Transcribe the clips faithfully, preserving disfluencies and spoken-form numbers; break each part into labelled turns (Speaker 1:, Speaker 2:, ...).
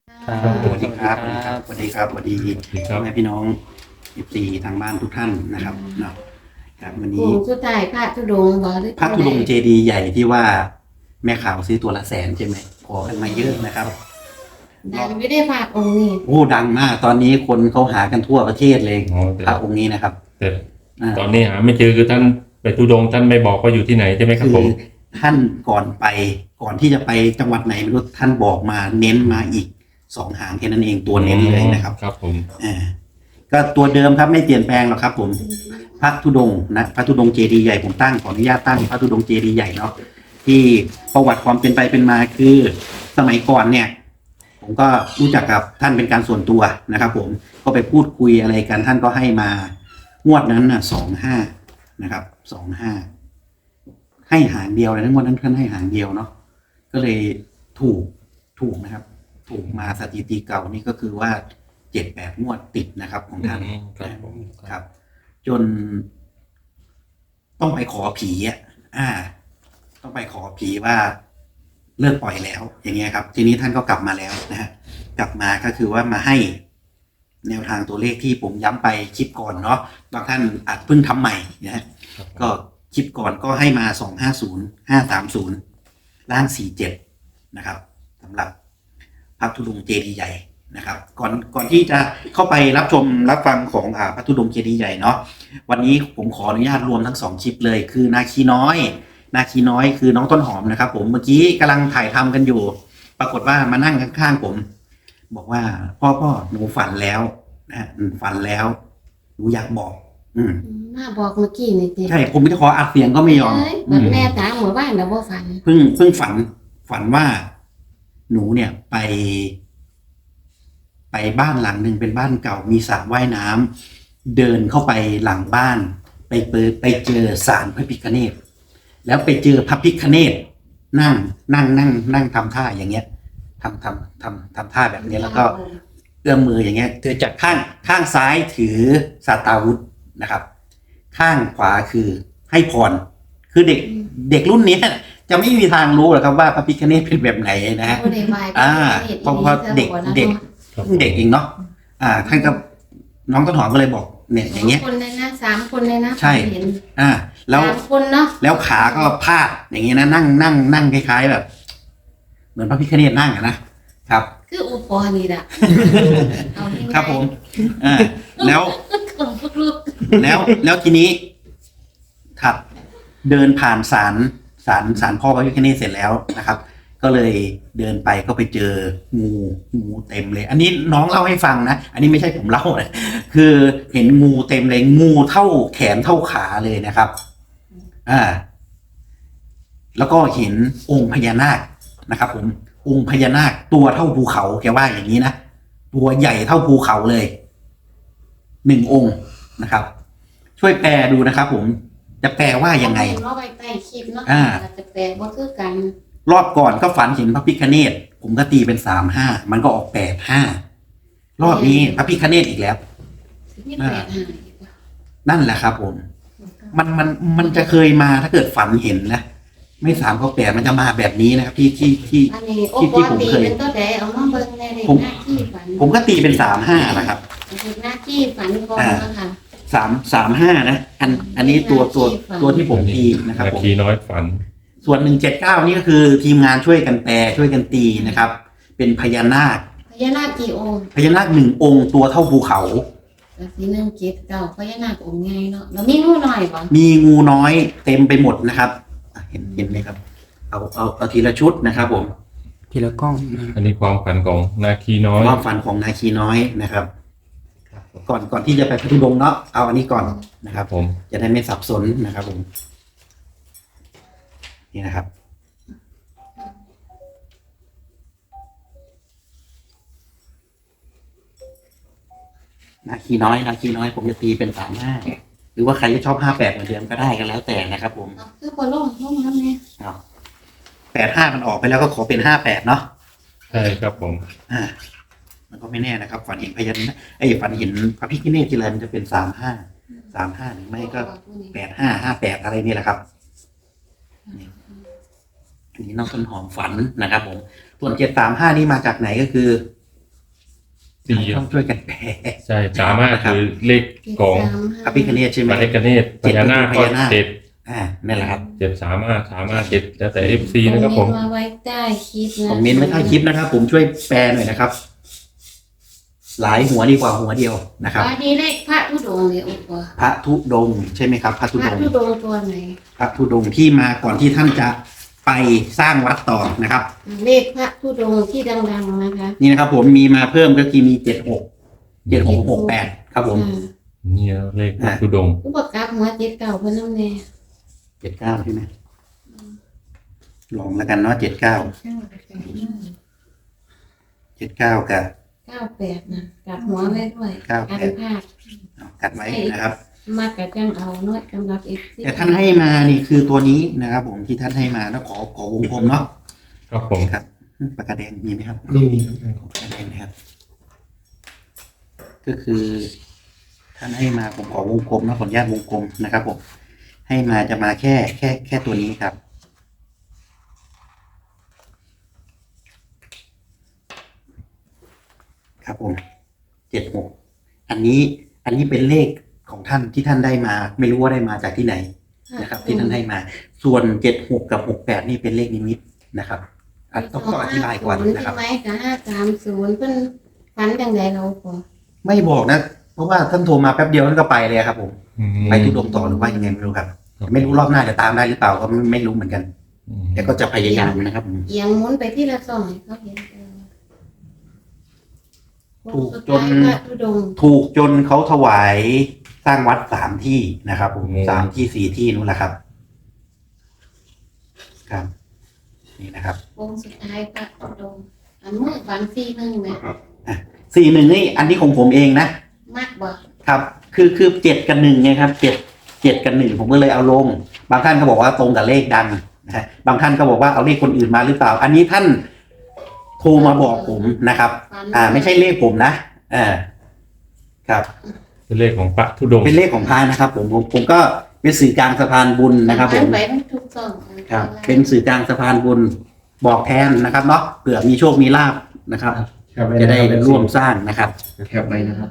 Speaker 1: ครับ
Speaker 2: สวัสดีครับสวัสดีครับสวัสดีครับสวัสดีพ่อแม่พี่น้องเอฟซีทางบ้านทุกท่านนะครับเนาะครับวัน
Speaker 1: โค้
Speaker 2: นี้
Speaker 1: งสุดท้ายพระธุดงค์บ่หรือ
Speaker 2: พระธุดงค์เจดีย์ใหญ่ที่ว่าแม่ขาวซื้อตัวละแสนใช่ไหมขอกันมาเยอะนะครับ
Speaker 1: ดังไม่ได้ฝากองค์นี้
Speaker 2: โอ้ดังมากตอนนี้คนเขาหากันทั่วประเทศเลย
Speaker 3: อ๋อแต่
Speaker 2: พระองค์นี้นะครับ
Speaker 3: แต่
Speaker 2: อ่า
Speaker 3: ตอนนี้หาไม่เจอคือท่านไปทุดงค์ท่านไม่บอกว่าอยู่ที่ไหนใช่ไหมครับ
Speaker 2: คื
Speaker 3: ผ
Speaker 2: อ
Speaker 3: ม
Speaker 2: ท่านก่อนไปก่อนที่จะไปจังหวัดไหนไม่รู้ท่านบอกมาเน้นมาอีกสองหางแค่นั้นเองตัวเน้นเลยนะครับ
Speaker 3: ครับผม
Speaker 2: อ่าก็ตัวเดิมครับไม่เปลี่ยนแปลงหรอกครับผมพระธุดงค์นะพระธุดงค์เจดีย์ใหญ่ผมตั้งขออนุญาตตั้งพระธุดงค์เจดีย์ใหญ่เนาะที่ประวัติความเป็นไปเป็นมาคือสมัยก่อนเนี่ย ผมก็รู้จักกับท่านเป็นการส่วนตัวนะครับ ผมก็ไปพูดคุยอะไรกันท่านก็ให้มางวดนั้นน่ะสองห้านะครับสองห้าให้หางเดียวเลยทั้งวดนั้นท่านให้หางเดียวเนาะก็เลยถูกถูกนะครับ ถูกมาสถิติเก่านี่ก็คือว่าเจ็ดแปดงวดติดนะครับของท่าน
Speaker 3: อืมครับผม
Speaker 2: ครับ จน ต้องไปขอผีอ่ะอ่า ต้องไปขอผีว่าเลิกปล่อยแล้ว อย่างเงี้ยครับ ทีนี้ท่านก็กลับมาแล้วนะฮะกลับมาก็คือว่ามาให้ แนวทางตัวเลขที่ผมย้ำไปคลิปก่อนเนาะบางท่านอาจเพิ่งทำใหม่นะฮะ
Speaker 3: ครับผม
Speaker 2: ก็คลิปก่อนก็ให้มาสองห้าศูนย์ห้าสามศูนย์ล่างสี่เจ็ดนะครับสำหรับพระธุดงค์เจดีย์ใหญ่นะครับ ก่อนก่อนที่จะเข้าไปรับชมรับฟังของอ่าพระธุดงค์เจดีย์ใหญ่เนาะวันนี้ผมขออนุญาตรวมทั้งสองคลิปเลย คือนาคีน้อย นาคีน้อยคือน้องต้นหอมนะครับ ผมเมื่อกี้กำลังถ่ายทำกันอยู่ ปรากฏว่ามานั่งข้างๆผม บอกว่าพ่อพ่อหนูฝันแล้วนะฮะอืมฝันแล้วหนูอยากบอก อืม
Speaker 1: มาบอกเมื่อกี้นี่ติ
Speaker 2: ใช่ผมจะขออัดเสียงก็ไม่ยอม
Speaker 1: เอ้ย
Speaker 2: อื
Speaker 1: บัด
Speaker 2: ม
Speaker 1: แม่ถามหมู่บ้านแล้วบ่ฝัน
Speaker 2: เพิ่งเพิ่งฝัน ฝันว่าหนูเนี่ยไป ไปบ้านหลังหนึ่งเป็นบ้านเก่ามีสระว่ายน้ำเดินเข้าไปหลังบ้าน ไปเปิดไปเจอศาลพระพิฆเนศแล้วไปเจอพระพิฆเนศนั่ง นั่งนั่งนั่งทำท่าอย่างเงี้ยทำทำทำทำท่าแบบนี้แล้วก็ เอื้อมมืออย่างเงี้ยเธอจากข้างข้างซ้ายถือสาตาวุธนะครับ ข้างขวาคือให้พร คือเด็กเด็กรุ่นเนี้ยจะไม่มีทางรู้หรอกครับว่าพระพิฆเนศเป็นแบบไหนนะฮะ
Speaker 1: บ่ได้ไหว้
Speaker 2: อ่าเพราะว่าเด็กเด็ก
Speaker 3: ครับ
Speaker 2: เพิ่งเด็กเองเนาะอ่าท่านก็น้องต้นหอมก็เลยบอกเนี่ยอย่างเงี้ย
Speaker 1: สคนเลยนะสามคนเลยนะ
Speaker 2: ใช่
Speaker 1: เห็น
Speaker 2: อ่า แล้ว
Speaker 1: สามคนเนาะ
Speaker 2: แล้วขาก็พาดอย่างเงี้ยนะนั่งนั่งนั่งคล้ายๆแบบ เหมือนพระพิฆเนศนั่งอะนะครับ
Speaker 1: คืออุปกรณ์นี่ล่ะเอาง่ายๆ
Speaker 2: ครับผมอ่าแล้ว
Speaker 1: ของพวกลูก
Speaker 2: แล้วแล้วทีนี้ถัดเดินผ่านศาลศาลศาลพ่อพระพิฆเนศเสร็จแล้วนะครับ ก็เลยเดินไปก็ไปเจองูงูเต็มเลย อันนี้น้องเล่าให้ฟังนะอันนี้ไม่ใช่ผมเล่านะคือเห็นงูเต็มเลยงูเท่าแขนเท่าขาเลยนะครับ อ่า แล้วก็เห็นองค์พญานาคนะครับ ผมองค์พญานาคตัวเท่าภูเขาแกว่าอย่างนี้นะตัวใหญ่เท่าภูเขาเลยหนึ่งองค์นะครับ ช่วยแปลดูนะครับ ผมจะแปลว่ายังไง
Speaker 1: เราไปใต้คลิปเนาะ
Speaker 2: อ่า
Speaker 1: จะแปลบ่คือกัน
Speaker 2: รอบก่อนก็ฝันเห็นพระพิฆเนศผมก็ตีเป็นสามห้ามันก็ออกแปดห้ารอบนี้พระพิฆเนศอีกแล้ว
Speaker 1: มีแปดหาย
Speaker 2: นั่นแหละครับ ผม มันมันมันจะเคยมาถ้าเกิดฝันเห็นนะไม่สามก็แปดมันจะมาแบบนี้นะครับที่ที่ที่
Speaker 1: อันนี้โอ้
Speaker 2: ที่
Speaker 1: ป
Speaker 2: ที่
Speaker 1: ก
Speaker 2: ผม
Speaker 1: ติ
Speaker 2: เคย
Speaker 1: เป็นตัวใดเอามาเบิ่งในเลข
Speaker 2: ผม
Speaker 1: หน้าที่ฝัน
Speaker 2: ผมก็ตีเป็นสามห้านะครับ
Speaker 1: เป็นหน้าที่ฝันก่อนนะคะ
Speaker 2: สามสามห้านะอันอันนี้ตัวตัวตัวที่ผมตีนะครับ
Speaker 3: นา
Speaker 2: ผม
Speaker 3: คีน้อยฝัน
Speaker 2: ส่วนหนึ่งเจ็ดเก้านี่ก็คือทีมงานช่วยกันแปลช่วยกันตีนะครับ เป็นพญานาค
Speaker 1: พญานาคกี่องค์
Speaker 2: พญานาคหนึ่งองค์ตัวเท่าภูเขา
Speaker 1: ก็สีหนึ่งเจ็ดเก้าพญานาคองค์ใหญ่เนาะแล้วมีงูหน่อยบ่
Speaker 2: มีงูน้อยเต็มไปหมดนะครับอ่ะเห็นเห็นไหมครับ เอาเอาเอาทีละชุดนะครับ ผม
Speaker 4: ทีละกล้องนะ
Speaker 3: อันนี้ความฝันของนาคีน้อย
Speaker 2: ความฝันของนาคีน้อยนะครับ ก่อนก่อนที่จะไปพัทลุงเนาะเอาอันนี้ก่อนนะครับ
Speaker 3: ผม
Speaker 2: จะได้ไม่สับสนนะครับผมนี่นะครับ นาคีน้อยนาคีน้อยผมจะตีเป็นสามห้าหรือว่าใครจะชอบห้าแปดเหมือนเดิมก็ได้ก็แล้วแต่นะครับ ผม
Speaker 1: เอาคือบ่ลงลงน้ำเนี่ย
Speaker 2: เอาแปดห้ามันออกไปแล้วก็ขอเป็นห้าแปดเนาะ
Speaker 3: ใช่ครับผม
Speaker 2: อ่า มันก็ไม่แน่นะครับ ฝันเห็นพญานาคไอ้ยฝันเห็นพระพิฆเนศทีไรมันจะเป็นสามห้าสามห้าหรือไม่ก็แปดห้าห้าแปดอะไรนี่แหละครับนี่อันนี้น้องต้นหอมฝันนะครับ ผมส่วนเจ็ดสามห้านี่มาจากไหนก็คือ
Speaker 3: สี่
Speaker 2: ต้องช่วยกันแปล
Speaker 3: ใช่สามารถคือเลขของ
Speaker 2: พระพิฆเนศใช่ไหม
Speaker 3: พระเอกเนศพญานาคก็เจ็ด
Speaker 2: อ่านั่นแหละครับ
Speaker 3: เจ็ดสามารถสามารถเจ็ดแล้วแต่เอฟซีนะครับผม
Speaker 1: มาไว้ใต้คลิปนะ
Speaker 2: คอมเมนต์ไว้ใต้คลิปนะครับ ผมช่วยแปลหน่อยนะครับ หลายหัวดีกว่าหัวเดียวนะครับ
Speaker 1: อันนี้เลขพระธุดงค์เลยโอ้โห
Speaker 2: พระธุดงค์ใช่ไหมครับ พระธุ
Speaker 1: พ
Speaker 2: ด
Speaker 1: ระ
Speaker 2: งค์
Speaker 1: ธุดงค์ตัวไหน
Speaker 2: พระธุดงค์ที่มาก่อนที่ท่านจะไปสร้างวัดต่อนะครับ
Speaker 1: เลขพระธุดงค์ที่ดังๆนะคะ
Speaker 2: นี่นะครับ ผมมีมาเพิ่มก็คือมีเจ็ดหกเจ็ดหกหกแปดครับผม
Speaker 1: อ่า
Speaker 3: เนี่ยเลขพระธุดงค์
Speaker 1: ผู้ประกาศหัวเจ็ดเก่าเพิ่นน้ำแน่
Speaker 2: เจ็ดเก้าใช่ไหมลองแล้วกันเนาะเจ็ดเก้าเจ็ดเก้ากับ
Speaker 1: เก้าแปดนะกลับหัวไว้ด้วย
Speaker 2: เก้าแปด
Speaker 1: กันพลาด
Speaker 2: เอากัดไว้นะครับ
Speaker 1: มากกับจังเอาน้อยกำลับเอฟซี
Speaker 2: แต่ท่านให้มานี่คือตัวนี้นะครับ ผมที่ท่านให้มาแล้วขอขอวงกลมเนาะ
Speaker 3: ครับผม
Speaker 2: ครับปากกาแดงมีไหมครับ
Speaker 4: นี่
Speaker 2: ขอปากกาแดงนะครับ ก็คือ ท่านให้มาผมขอวงกลมนะขออนุญาตวงกลมนะครับ ผม ให้มาจะมาแค่แค่แค่ตัวนี้ครับ ครับผมเจ็ดหกอันนี้ อันนี้เป็นเลขของท่านที่ท่านได้มา ไม่รู้ว่าได้มาจากที่ไหนนะครับ ที่ท่านให้มา ส่วนเจ็ดหกกับหกแปดนี่เป็นเลขนิมิตนะครับอ่ะต้องต้องอธิบายก่อนนะครับ
Speaker 1: ใช่ไหมกับห้าสามศูนย์เพิ่นฝันจังไดเราพอ
Speaker 2: ไม่บอกนะ เพราะว่าท่านโทรมาแป๊บเดียวท่านก็ไปเลยครับผม
Speaker 3: อืม
Speaker 2: ไปทุดงต่อหรือว่ายังไงไม่รู้ครับ ไม่รู้รอบหน้าจะตามได้หรือเปล่าก็ไม่ไม่รู้เหมือนกัน
Speaker 3: อืม
Speaker 2: แต่ก็จะพยายามนะครับ
Speaker 1: เอียงหมุนไปที่ละสองให้เขาเห็นเออ
Speaker 2: ถูกจน
Speaker 1: สุดท้ายพระธุดงค์
Speaker 2: ถูกจนเขาถวายสร้างวัดสามที่นะครับผมสามที่สี่ที่นู่นแหละครับ ครับ นี่นะครับ
Speaker 1: วงสุดท้ายพระธุดงค์อันมือฝันสี่หนึ่งไหม
Speaker 2: สี่หนึ่งนี่อันนี้ของผมเองนะ
Speaker 1: มากบ่
Speaker 2: ครับ คือคือเจ็ดกับหนึ่งไงครับเจ็ดเจ็ดกับหนึ่งผมก็เลยเอาลง บางท่านก็บอกว่าตรงกับเลขดังนะฮะบางท่านก็บอกว่าเอาเลขคนอื่นมาหรือเปล่า อันนี้ท่านโทรมาบอกผมนะครับ
Speaker 1: ฝัน
Speaker 2: อ่า ไม่ใช่เลขผมนะอ่าครับ
Speaker 3: เป็นเลขของพระธุดงค์
Speaker 2: เป็นเลขของพระนะครับ ผมผมผมก็เป็นสื่อกลางสะพานบุญนะครับ ผม
Speaker 1: ฝัไปทุกสอง
Speaker 2: ครับ เป็นสื่อกลางสะพานบุญบอกแทนนะครับเนาะเผื่อมีโชคมีลาบนะครับ
Speaker 4: แคปว้
Speaker 2: จะได้
Speaker 4: นคบ
Speaker 2: ร่วมสร้างนะครับ
Speaker 4: แคปไว้นะครับ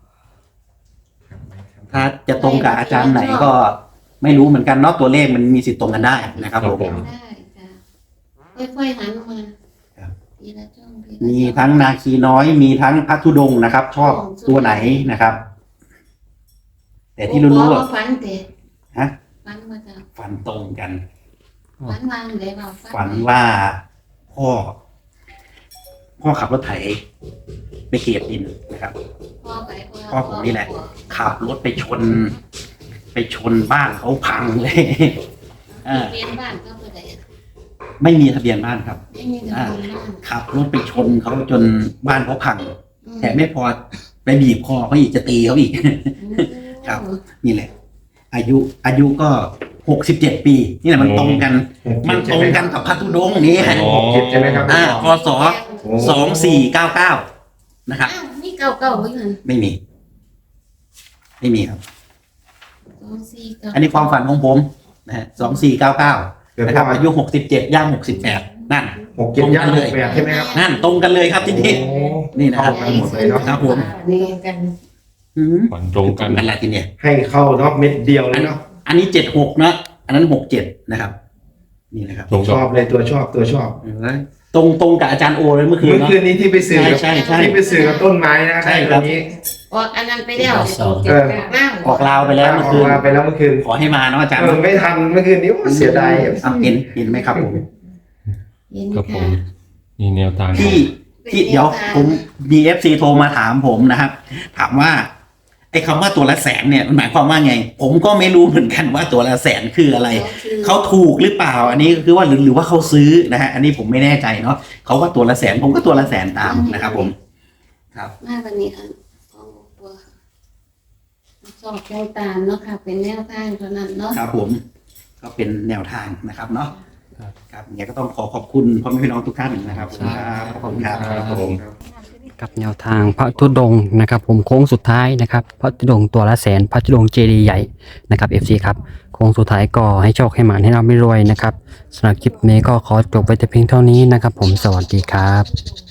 Speaker 2: ถ้าจะตรงกับอาจารย์ไหนก็ไม่รู้เหมือนกันเนาะตัวเลขมันมีสิทธิ์ตรงกันได้นะครับผม
Speaker 1: ได้จ้ะค่อยๆหันมา
Speaker 2: ครับ
Speaker 1: ทีละช่องทีละ
Speaker 2: มี
Speaker 1: ช่อง
Speaker 2: ทั้งนาคีน้อยมีทั้งพัทธุดงค์นะครับ ชอบตัวไหนนะครับ แต่ที่รู้ๆ
Speaker 1: ว่า
Speaker 2: อ่ะ
Speaker 1: ฝันเตะ
Speaker 2: ฮะ
Speaker 1: ฝันมาจาก
Speaker 2: ฝันตรงกัน
Speaker 1: ฝันวางเลยว่า
Speaker 2: ฝันว่าพ่อ พ่อขับรถไถไปเกลียดดินนะครับ
Speaker 1: พ่อไป
Speaker 2: พ่อผมนี่แหละ ขับรถไปชน ไปชนบ้านเขาพังเลย อ่า
Speaker 1: เรียนบ้านก็ไปไหน
Speaker 2: ไม่มีทะเบียนบ้านครับ
Speaker 1: ไม่มีทะเบียนบ้าน
Speaker 2: ขับรถไปชนเขาจนบ้านเขาพัง
Speaker 1: อืม
Speaker 2: แต่ไม่พอไปบีบคอเขาอีกจะตีเขาอีก ครับ นี่แหละ อายุอายุก็หกสิบเจ็ดปี นี่แหละมันตรงกัน มันตรงกันกับพัทธุดงค์นี่
Speaker 3: อ๋อ
Speaker 4: เจ็ดใช่ไหมครับ
Speaker 2: อ่าพศสองสี่เก้าเก้านะครับ
Speaker 1: อ้าวนี่เก่าเก่าๆไว้ก่อน
Speaker 2: ไม่มี ไม่มีครับ
Speaker 1: สองสี่เก้า
Speaker 2: อันนี้ความฝันของผมนะฮะสองสี่เก้าเก้า
Speaker 4: เกิด
Speaker 2: นะครับ
Speaker 4: ว่า
Speaker 2: อายุหกสิบเจ็ดย่างหกสิบแปดนั่น
Speaker 4: หกเจ็ดย่างหกแปดใช่ไหมครับ
Speaker 2: นั่นตรงกันเลยครับที่นี่
Speaker 4: โอ้
Speaker 2: นี่นะครับ
Speaker 4: เข้ากันหมดเลยเนาะ
Speaker 2: ครับผม
Speaker 1: นี่กัน
Speaker 2: อืม
Speaker 3: ฝันตรงกัน
Speaker 2: กันแหละทีเนี้ย
Speaker 4: ให้เข้าเนาะเม็ดเดียวเลยเนาะ
Speaker 2: อันนี้เจ็ดหกนะ อันนั้นหกเจ็ดนะครับ นี่นะครับ
Speaker 3: ตรง
Speaker 4: ช
Speaker 3: กับ
Speaker 4: อบเลยตัวชอบตัวชอบ
Speaker 2: ตรงตรงกับอาจารย์โอเลยเมื่อคืน
Speaker 4: เมื่อ
Speaker 2: เนาะ
Speaker 4: คืนนี้ที่ไปสื่อกับ
Speaker 2: ใช่ใช่
Speaker 4: ที่ไปสื่อกับต้นไม้นะ
Speaker 2: ใช่
Speaker 4: ได้
Speaker 2: ครั
Speaker 4: ตั
Speaker 2: บ
Speaker 4: วนี้
Speaker 1: ออกอันนั้นไปแล้ว
Speaker 4: เออ
Speaker 1: ล่าง
Speaker 2: ออกลาวไปแล้วเมื่อ
Speaker 4: ออ
Speaker 2: คื
Speaker 4: ก
Speaker 2: น
Speaker 4: มาไปแล้วเมื่อคืน
Speaker 2: ขอให้มาเนาะอาจารย์
Speaker 4: เออไม่ทันเมื่อคืนนี้โอ้เสียดาย
Speaker 2: อ่ะเห็นเห็นไหมครับผม
Speaker 1: เย็น
Speaker 3: ครับผ
Speaker 1: ค่ะ
Speaker 3: มนี่แนวทาง
Speaker 2: ที่ที่เดี๋ยวผมมีเอฟซีโทรมาถามผมนะครับ ถามว่าไอ้คำว่าตัวละแสนเนี่ยมันหมายความว่าไง ผมก็ไม่รู้เหมือนกันว่าตัวละแสนคืออะไร เขาถูกหรือเปล่า อันนี้ก็คือว่าหรือหรือว่าเขาซื้อนะฮะ อันนี้ผมไม่แน่ใจเนาะเขาว่าตัวละแสนผมก็ตัวละแสนตามนะครับผม ครับ
Speaker 1: มาวันนี้อันสองตัวค่ะสอบแนวตามเนาะค่ะ เป็นแนวทางเท่านั้นเนาะ
Speaker 2: ครับผมก็เป็นแนวทางนะครับเนาะครับเนี่ยก็ต้องขอขอบคุณพ่อแม่พี่น้องทุกท่านนะครับครับขอบคุณครับ
Speaker 3: ครับผม
Speaker 5: กับแนวทางพระธุดงค์นะครับผมโค้งสุดท้ายนะครับพระธุดงค์ตัวละแสนพระธุดงค์เจดีย์ใหญ่นะครับ เอฟ ซี ครับโค้งสุดท้ายก็ให้โชคให้หมานให้เราไม่รวยนะครับสำหรับคลิปนี้ก็ขอจบไปแต่เพียงเท่านี้นะครับผมสวัสดีครับ